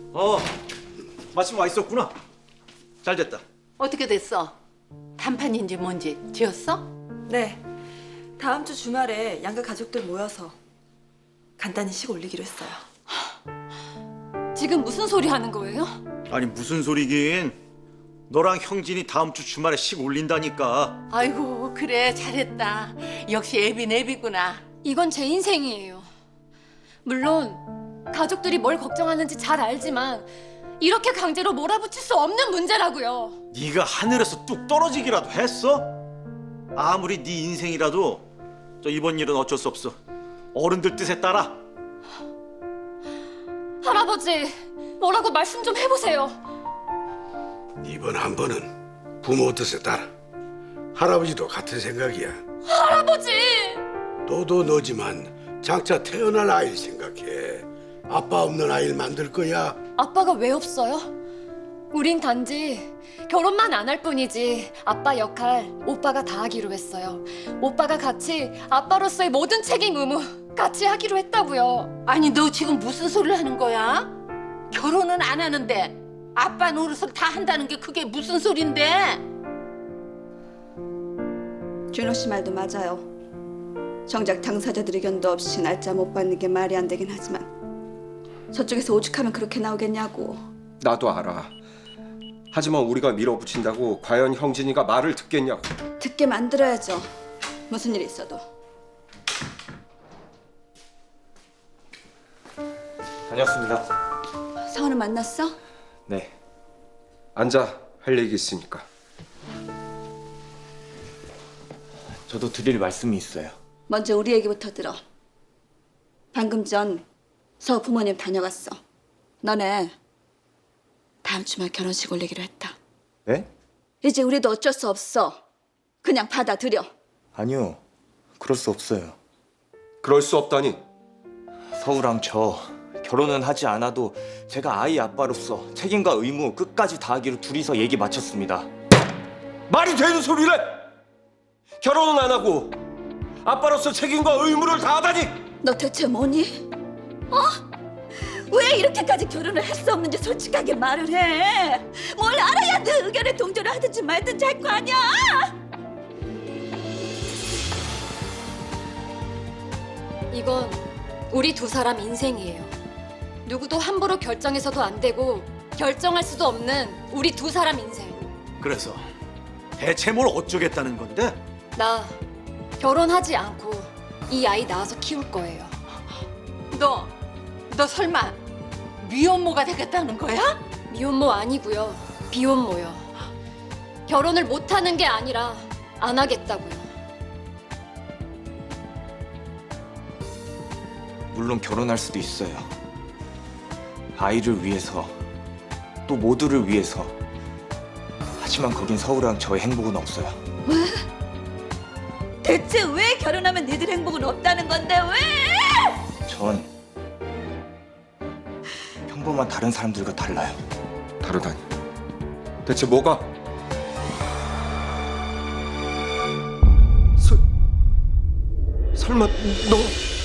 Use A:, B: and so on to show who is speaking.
A: 마침 와 있었구나. 잘 됐다.
B: 어떻게 됐어? 단판인지 뭔지 지었어?
C: 네, 다음 주 주말에 양가 가족들 모여서 간단히 식 올리기로 했어요.
D: 지금 무슨 소리 하는 거예요?
A: 아니 무슨 소리긴. 너랑 형진이 다음 주 주말에 식 올린다니까.
B: 아이고 그래 잘했다. 역시 애빈 애비구나.
D: 이건 제 인생이에요. 물론 가족들이 뭘 걱정하는지 잘 알지만 이렇게 강제로 몰아붙일 수 없는 문제라고요.
A: 네가 하늘에서 뚝 떨어지기라도 했어? 아무리 네 인생이라도 이번 일은 어쩔 수 없어. 어른들 뜻에 따라.
D: 할아버지, 뭐라고 말씀 좀 해보세요.
E: 이번 한 번은 부모 뜻에 따라. 할아버지도 같은 생각이야.
D: 할아버지!
E: 너도 너지만 장차 태어날 아이를 생각해. 아빠 없는 아이를 만들 거야.
D: 아빠가 왜 없어요? 우린 단지 결혼만 안 할 뿐이지 아빠 역할 오빠가 다 하기로 했어요. 오빠가 같이 아빠로서의 모든 책임 의무 같이 하기로 했다고요.
B: 아니 너 지금 무슨 소리를 하는 거야? 결혼은 안 하는데 아빠 노릇을 다 한다는 게 그게 무슨 소린데?
F: 준호 씨 말도 맞아요. 정작 당사자들 의견도 없이 날짜 못 받는 게 말이 안 되긴 하지만 저쪽에서 오죽하면 그렇게 나오겠냐고.
G: 나도 알아. 하지만 우리가 밀어붙인다고 과연 형진이가 말을 듣겠냐고.
F: 듣게 만들어야죠. 무슨 일이 있어도.
G: 다녔습니다.
F: 성원은 만났어?
G: 네. 앉아. 할 얘기 있으니까.
H: 저도 드릴 말씀이 있어요.
F: 먼저 우리 얘기부터 들어. 방금 전 서우 부모님 다녀갔어. 너네 다음 주말 결혼식 올리기로 했다.
H: 네?
F: 이제 우리도 어쩔 수 없어. 그냥 받아들여.
H: 아니요. 그럴 수 없어요.
G: 그럴 수 없다니.
H: 서우랑 저 결혼은 하지 않아도 제가 아이 아빠로서 책임과 의무 끝까지 다하기로 둘이서 얘기 마쳤습니다.
G: 말이 되는 소리래! 결혼은 안 하고 아빠로서 책임과 의무를 다하다니!
F: 너 대체 뭐니? 왜 이렇게까지 결혼을 할 수 없는지 솔직하게 말을 해. 뭘 알아야 네 의견에 동조를 하든지 말든지 할 거 아니야.
D: 이건 우리 두 사람 인생이에요. 누구도 함부로 결정해서도 안 되고 결정할 수도 없는 우리 두 사람 인생.
A: 그래서 대체 뭘 어쩌겠다는 건데?
D: 나 결혼하지 않고 이 아이 낳아서 키울 거예요.
B: 너 설마 미혼모가 되겠다는 거야?
D: 미혼모 아니고요. 비혼모요. 결혼을 못하는 게 아니라 안 하겠다고요.
H: 물론 결혼할 수도 있어요. 아이를 위해서, 또 모두를 위해서. 하지만 거긴 서우랑 저의 행복은 없어요.
F: 대체 왜 결혼하면 니들 행복은 없다는 건데 왜?
H: 전 평범한 다른 사람들과 달라요.
G: 다르다니. 대체 뭐가? 설마 너...